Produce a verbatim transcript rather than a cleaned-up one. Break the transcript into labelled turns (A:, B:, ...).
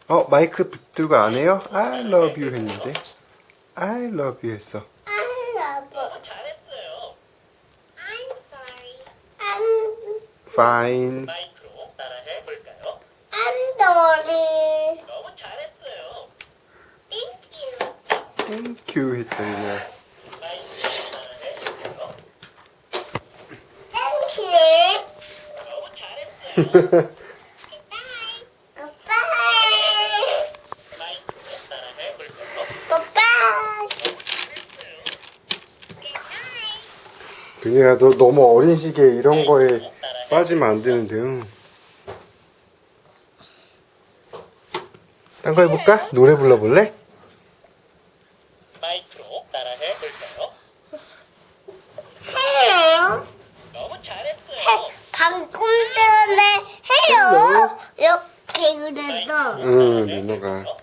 A: 어, 마이크 들고 안 해요? I love you 했는데. I love you 했어.
B: I love.
C: 너무 잘했어요.
B: I'm sorry. I'm
A: Fine.
C: 마이크로 따라해 볼까요?
B: I'm sorry.
C: 너무 잘했어요.
B: Thank you.
A: Thank you 했더니 그냥.
C: 마이크로 따라해 볼까요?
B: Thank you.
C: 너무 잘했어요.
B: Goodbye. Goodbye.
C: 마이크로 따라해 볼까요?
B: Goodbye.
C: 잘했어요.
B: Goodnight.
A: 그냥 너 너무 어린 시기에 이런 거에 빠지면 안 되는데. 응. 딴 거 해볼까? 노래 불러볼래?
C: 마이크로 따라해 볼까요?
B: Hello.
C: 너무 잘했어요.
B: 해, 방금 전에 해요. 이렇게 그래서.
A: 응, 누나가.